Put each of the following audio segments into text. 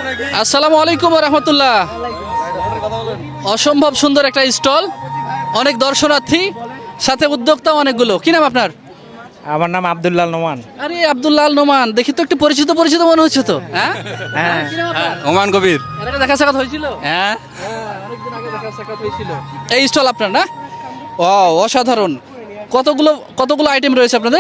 আসসালামু আলাইকুম ওয়া রাহমাতুল্লাহ। অসম্ভব সুন্দর একটা স্টল, অনেক দর্শনার্থী, সাথে উদ্যোক্তা অনেকগুলো। কি নাম আপনার? আমার নাম আব্দুল্লাহ নোমান। আরে আব্দুল্লাহ আল নোমান, দেখি তো একটু পরিচিত পরিচিত মনে হচ্ছে তো। হ্যাঁ হ্যাঁ কি নাম আপনার? ওমান কবির। এর আগে দেখা সাক্ষাৎ হয়েছিল? হ্যাঁ, অনেকদিন আগে দেখা সাক্ষাৎ হয়েছিল। এই স্টল আপনার না? ও অসাধারণ। কতগুলো কতগুলো আইটেম রয়েছে আপনাদের?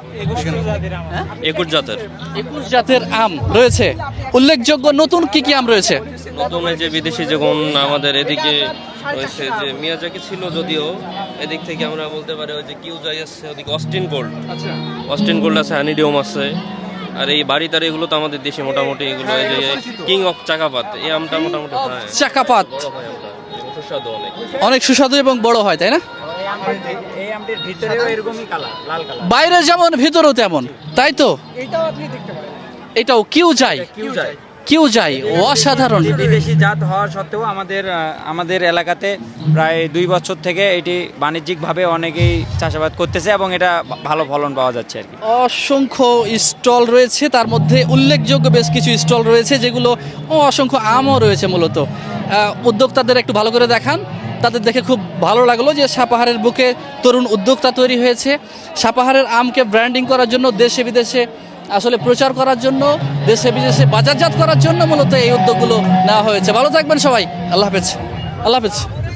21 জাতের 21 জাতের আম রয়েছে। উল্লেখযোগ্য নতুন কি কি আম রয়েছে? নতুন এই যে বিদেশি যেমন আমাদের এদিকে রয়েছে যে মিয়াজাকি ছিল, যদিও এদিক থেকে আমরা বলতে পারি ওই যে কিউজাই আছে, ওদিকে অস্টিন গোল্ড, আচ্ছা, অস্টিন গোল্ড আছে, হানিডিওম আছে। আর এই বাড়িটার এগুলো তো আমাদের দেশে মোটামুটি এগুলো এই যে কিং অফ চাকাপাত, এই আমটা মোটামুটি হ্যাঁ, চাকাপাত বড় হয় আমটা এবং সুস্বাদু অনেক। অনেক সুস্বাদু এবং বড় হয়, তাই না? এই আমটির ভিতরেও এরকমই কালার, লাল কালার। বাইরে যেমন ভিতরেও তেমন, তাই তো? এটাও কিউ যাই, কিউ যাই, অসাধারণ। বিদেশি জাত হওয়া সত্ত্বেও আমাদের এলাকাতে প্রায় 2 বছর থেকে এটি বাণিজ্যিকভাবে অনেকেই চাষাবাদ করতেছে এবং এটা ভালো ফলন পাওয়া যাচ্ছে আর কি। অসংখ্য স্টল রয়েছে, তার মধ্যে উল্লেখযোগ্য বেশ কিছু স্টল রয়েছে যেগুলো অসংখ্য আমও রয়েছে। মূলত উদ্যোক্তাদের একটু ভালো করে দেখান, তাদের দেখে খুব ভালো লাগলো যে সাপাহারের বুকে তরুণ উদ্যোক্তা তৈরি হয়েছে। সাপাহারের আমকে ব্র্যান্ডিং করার জন্য, দেশে বিদেশে আসলে প্রচার করার জন্য, দেশে বিদেশে বাজারজাত করার জন্য মূলত এই উদ্যোগগুলো নেওয়া হয়েছে। ভালো থাকবেন সবাই, আল্লাহ হাফেজ। আল্লাহ হাফেজ।